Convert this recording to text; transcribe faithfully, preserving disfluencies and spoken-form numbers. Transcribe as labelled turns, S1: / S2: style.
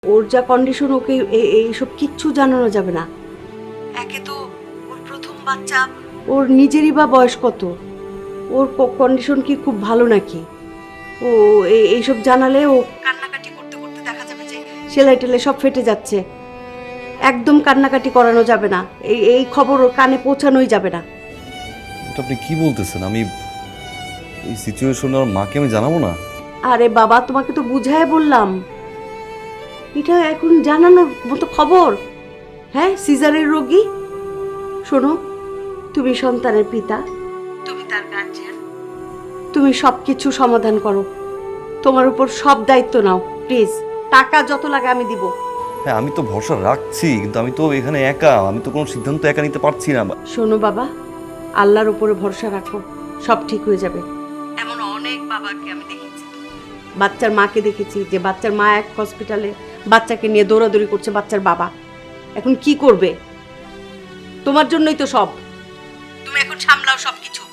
S1: ওর যা কন্ডিশন, ওকে এইসব কিচ্ছু জানানো যাবে না। একে তো ওর প্রথম বাচ্চা, ওর নিজেরই বা বয়স কত, ওর কন্ডিশন কি খুব ভালো নাকি? ও এইসব জানালে ও কান্নাকাটি করতে করতে দেখা যাবে যে সেলাই টেলাই সব ফেটে যাচ্ছে। একদম কান্নাকাটি করানো যাবে না, এই এই খবর ওর কানে পৌঁছানোই যাবে না।
S2: এটা আপনি কি বলতেছেন? আমি এই সিচুয়েশনে আমার মাকে আমি জানাবো না?
S1: আরে বাবা, তোমাকে তো বুঝায় বললাম, এটা এখন জানানোর মতো খবর? হ্যাঁ, সিজারের রোগী। শোনো, তুমি সন্তানের পিতা, তুমি তার গার্জিয়ান, তুমি সব কিছু সমাধান করো, তোমার উপর সব দায়িত্ব নাও প্লিজ। টাকা যত লাগে আমি দিব।
S2: হ্যাঁ, আমি তো ভরসা রাখছি, কিন্তু আমি তো এখানে একা, আমি তো কোনো সিদ্ধান্ত একা নিতে পারছি না।
S1: শোনো বাবা, আল্লাহর উপরে ভরসা রাখো, সব ঠিক হয়ে যাবে। এমন অনেক বাবাকে আমি দেখেছি, বাচ্চার মাকে দেখেছি যে বাচ্চার মা এক হসপিটালে বাচ্চাকে নিয়ে দৌড়াদৌড়ি করছে, বাচ্চার বাবা এখন কি করবে? তোমার জন্যই তো সব, তুমি এখন সামলাও সব কিছু।